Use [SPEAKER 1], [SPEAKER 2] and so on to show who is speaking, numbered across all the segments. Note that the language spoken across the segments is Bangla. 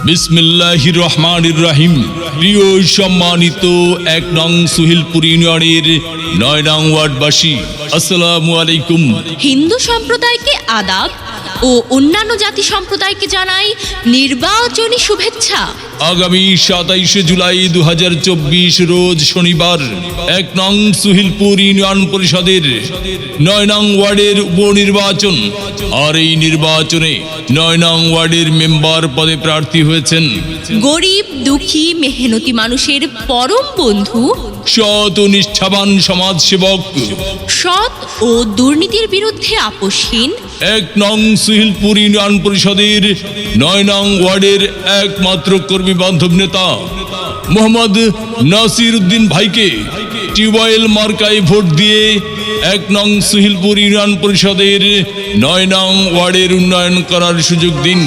[SPEAKER 1] বিসমিল্লাহির রহমানির রহিম। প্রিয় সম্মানিত ১ নং সুহিলপুর ইউনিয়নের ৯ নং ওয়ার্ডবাসী, আসসালামু আলাইকুম।
[SPEAKER 2] হিন্দু সম্প্রদায়কে আদাব ও অন্যান্য জাতি সম্প্রদায়কে জানাই নির্বাচনী শুভেচ্ছা।
[SPEAKER 1] আগামী ২৭শে জুলাই ২০২৪ রোজ শনিবার ১ নং সুহিলপুর ইউনিয়ন পরিষদের ৯ নং ওয়ার্ডের উপনির্বাচন। আর এই নির্বাচনে ৯ নং ওয়ার্ডের মেম্বার পদে প্রার্থী হয়েছেন
[SPEAKER 2] গরিব দুঃখী মেহনতি মানুষের পরম বন্ধু,
[SPEAKER 1] সৎ ও নিষ্ঠাবান সমাজসেবক,
[SPEAKER 2] সৎ ও দুর্নীতির বিরুদ্ধে আপোষহীন
[SPEAKER 1] ১ নং সুহিলপুর ইউনিয়ন পরিষদের ৯ নং ওয়ার্ডের একমাত্র কর্মী বান্ধব নেতা মোহাম্মদ নাসির উদ্দিন ভাইকে টিউবওয়েল মার্কায় ভোট দিয়ে ১ নং সুহিলপুর ইউনিয়ন পরিষদের ৯ নং ওয়ার্ডের উন্নয়ন করার সুযোগ দিন।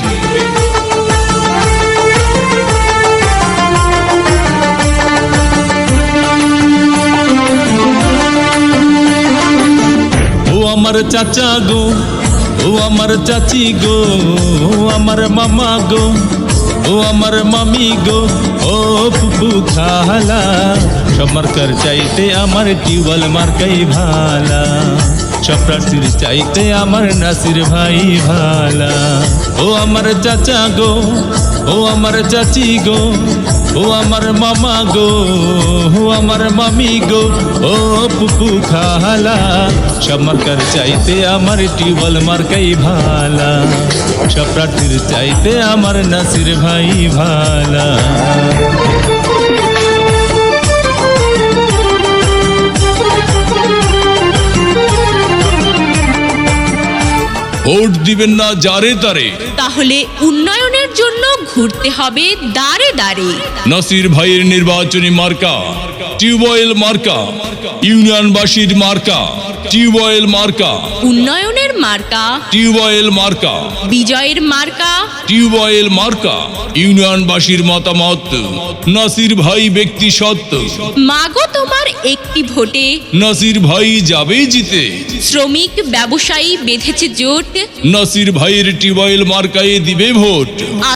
[SPEAKER 1] ও আমার চাচা গো, ও আমার চাচি গো, ও আমার মামা গো, ও আমার মামি গো, ও ফুপু খালা, সব মার্কার চাইতে আমার টিউবওয়েল মার্কাই ভালা, সব প্রার্থীর চাইতে আমার নাসির ভাই ভালা। ও আমার চাচা গো, ও আমার চাচি গো, ও আমার মামা গো, ও আমার মামি গো, ও পুপু খালা, সব মার্কার চাইতে আমার টিউবওয়েল মার্কাই ভালা, সব প্রার্থীর চাইতে আমার নাসির ভাই ভালা। ভোট দিবেন না যারে তারে,
[SPEAKER 2] তাহলে উন্নয়নের জন্য ঘুরতে হবে দাঁড়ে দাঁড়ে।
[SPEAKER 1] নাসির ভাইয়ের নির্বাচনী মার্কা টিউবওয়েল মার্কা, ইউনিয়নবাসীর মার্কা টিউবওয়েল মার্কা,
[SPEAKER 2] উন্নয়নের মার্কা
[SPEAKER 1] টিউবওয়েল মার্কা,
[SPEAKER 2] বিজয়ের মার্কা
[SPEAKER 1] টিউবওয়েল মার্কা। ইউনিয়নবাসীর মতামত, নাসির ভাই ব্যক্তি সত্য,
[SPEAKER 2] মাগো তোমার একটি ভোটে
[SPEAKER 1] নাসির ভাই যাবে জিতে।
[SPEAKER 2] শ্রমিক ব্যবসায়ী বেঁধেছে জোট,
[SPEAKER 1] নাসির ভাইয়ের টিউবওয়েল মার্কায় দিবে ভোট।